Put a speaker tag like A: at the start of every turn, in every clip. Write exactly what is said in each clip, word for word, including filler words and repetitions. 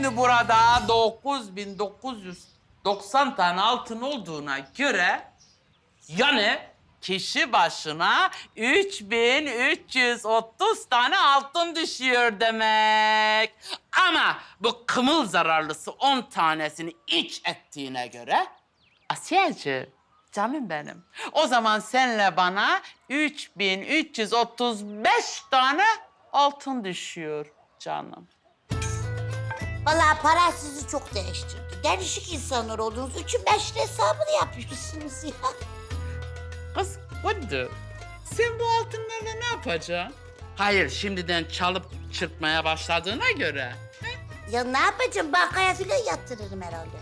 A: Şimdi burada dokuz bin dokuz yüz doksan tane altın olduğuna göre... Yani kişi başına üç bin üç yüz otuz tane altın düşüyor demek. Ama bu kımıl zararlısı on tanesini iç ettiğine göre... Asiyeciğim, canım benim. O zaman senle bana üç bin üç yüz otuz beş tane altın düşüyor canım.
B: Vallahi para sizi çok değiştirdi. Değişik insanlar oldunuz. Üçün beşin hesabını yapıyorsunuz ya.
A: Kız Kudu, sen bu altınlarla ne yapacaksın? Hayır, şimdiden çalıp çırpmaya başladığına göre.
B: Ya ne yapacağım? Bankaya filan yatırırım herhalde.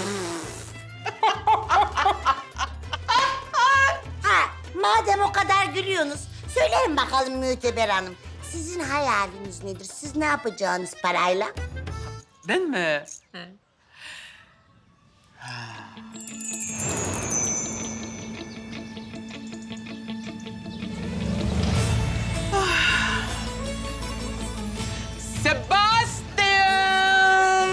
B: Ha, madem o kadar gülüyorsunuz, söyleyin bakalım Müteber Hanım. Sizin hayaliniz nedir? Siz ne yapacaksınız parayla?
A: Ben mi?
C: He.
A: Sebastian!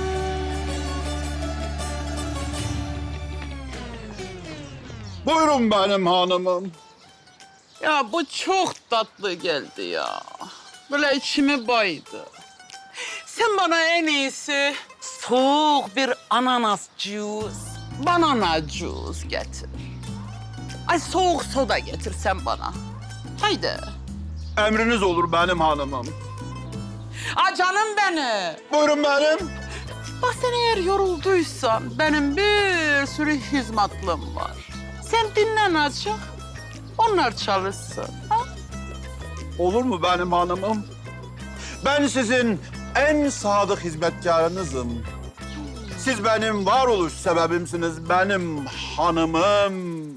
D: Buyurun benim hanımım.
A: Ya bu çok tatlı geldi ya. Böyle içimi baydı. Sen bana en iyisi soğuk bir ananas juice, banana juice getir. Ay soğuk soda getir sen bana. Haydi.
D: Emriniz olur benim hanımım.
A: Aa canım benim.
D: Buyurun benim.
A: Bak sen eğer yorulduysan benim bir sürü hizmetlım var. Sen dinlen azıcık. Onlar çalışsın. Ha?
D: Olur mu benim hanımım? Ben sizin en sadık hizmetkarınızım. Siz benim varoluş sebebimsiniz, benim hanımım.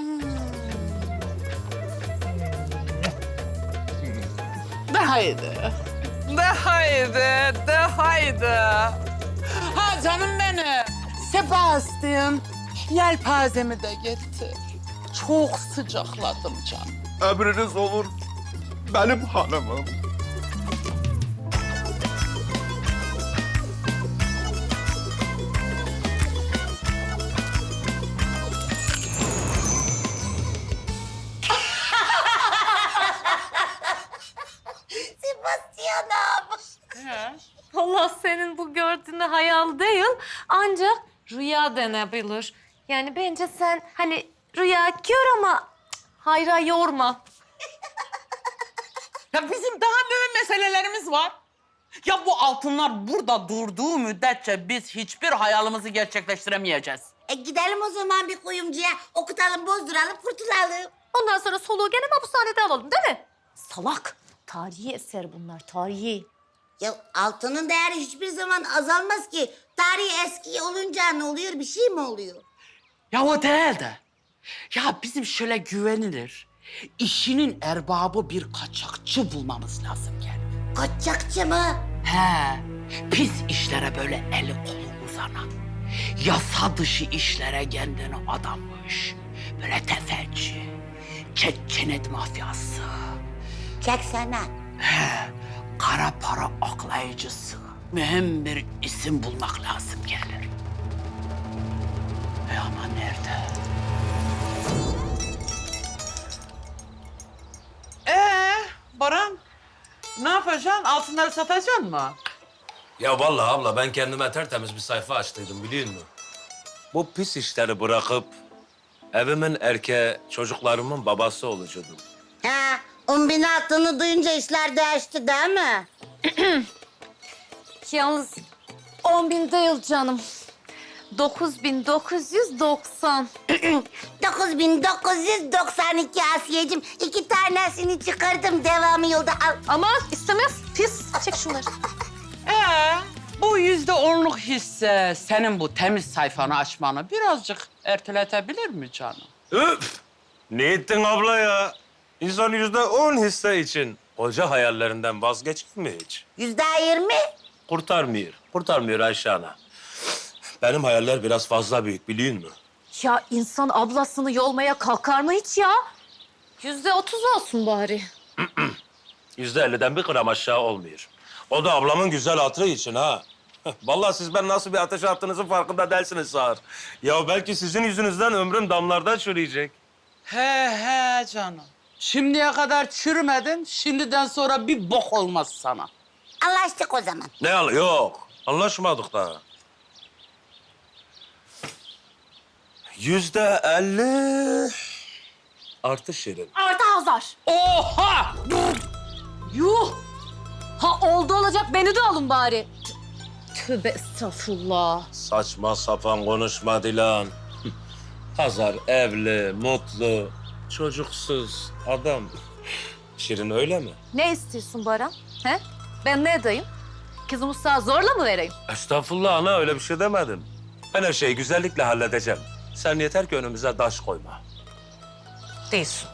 A: De haydi. De haydi, de haydi. Ha canım benim. Sebastian, yelpazemi de getir. Çok sıcakladım canım.
D: Emriniz olur benim hanımım.
B: Sebastian abi.
C: Allah senin bu gördüğüne hayal değil, ancak rüya denebilir. Yani bence sen hani rüya gör ama cık, hayra yorma.
A: Ya bizim daha mühim meselelerimiz var. Ya bu altınlar burada durduğu müddetçe biz hiçbir hayalimizi gerçekleştiremeyeceğiz.
B: E gidelim o zaman bir kuyumcuya, okutalım, bozduralım, kurtulalım.
C: Ondan sonra soluğu gene hapishanede alalım değil mi? Salak. Tarihi eser bunlar, tarihi.
B: Ya altının değeri hiçbir zaman azalmaz ki. Tarihi eski olunca ne oluyor? Bir şey mi oluyor?
A: Ya o değil de. Ya bizim şöyle güvenilir, işinin erbabı bir kaçakçı bulmamız lazım yani.
B: Kaçakçı mı?
A: He, pis işlere böyle eli kolu uzanan, yasa dışı işlere kendini adamış, böyle tefeci, çetçenet mafyası,
B: Çeksene.
A: he, kara para aklayıcısı, mühim bir isim bulmak lazım gelir. E ama nerede? Ee, Baran, ne yapacaksın? Altınları satacaksın mı?
E: Ya vallahi abla ben kendime tertemiz bir sayfa açtıydım biliyor musun? Bu pis işleri bırakıp evimin erkeği, çocuklarımın babası olacaktım.
B: Ha, on bin altını duyunca işler değişti değil mi?
C: Yalnız on bin değil canım. Dokuz bin dokuz yüz doksan.
B: dokuz bin dokuz yüz doksan iki Asiyeciğim. İki tanesini çıkardım. Devamı yolda al.
C: Ama istemez. Pis. Çek şunları.
A: Ee, bu yüzde onluk hisse senin bu temiz sayfanı açmanı birazcık erteletebilir mi canım?
E: Üf! Ne ettin abla ya? İnsan yüzde on hisse için koca hayallerinden vazgeçer mi hiç?
B: Yüzde yirmi.
E: Kurtarmıyor. Kurtarmıyor Ayşe ana. Benim hayaller biraz fazla büyük biliyor musun?
C: Ya insan ablasını yolmaya kalkar mı hiç ya? Yüzde otuz olsun bari.
E: Yüzde elliden bir gram aşağı olmuyor. O da ablamın güzel hatırı için ha. Vallahi siz ben nasıl bir ateş attığınızın farkında değilsiniz Sağır. Ya belki sizin yüzünüzden ömrüm damlarda çürüyecek.
A: He he canım. Şimdiye kadar çürümedin, şimdiden sonra bir bok olmaz sana.
B: Anlaştık o zaman.
E: Ne al? Yok. Anlaşmadık da. Yüzde elli artı Şirin.
C: Artı Hazar.
A: Oha!
C: Yuh! Ha oldu olacak beni de alın bari. Tövbe estağfurullah.
E: Saçma sapan konuşma Dilan. Hazar evli, mutlu, çocuksuz adam. Şirin öyle mi?
C: Ne istiyorsun Baran? He? Ben ne edeyim? Kızımı sana zorla mı vereyim?
E: Estağfurullah ana öyle bir şey demedim. Ben her şeyi güzellikle halledeceğim. Sen yeter ki önümüze taş koyma.
C: Değilsin.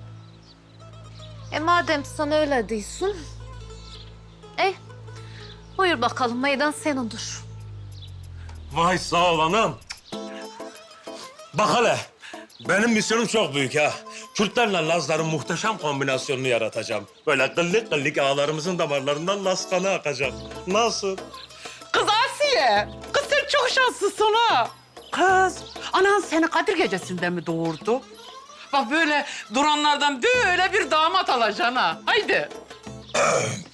C: E madem sen öyle değilsin... Ey, buyur bakalım meydan senindir.
E: Vay sağ ol anam. Bak hele, benim misyonum çok büyük ha. Kürtlerle Lazların muhteşem kombinasyonunu yaratacağım. Böyle kıllık kıllık ağalarımızın damarlarından Laz kanı akacak. Nasıl?
A: Kız Asiye, kız sen çok şanslısın ha. Kız, anan seni Kadir Gecesi'nde mi doğurdu? Bak böyle duranlardan böyle bir damat alacaksın ha. Haydi.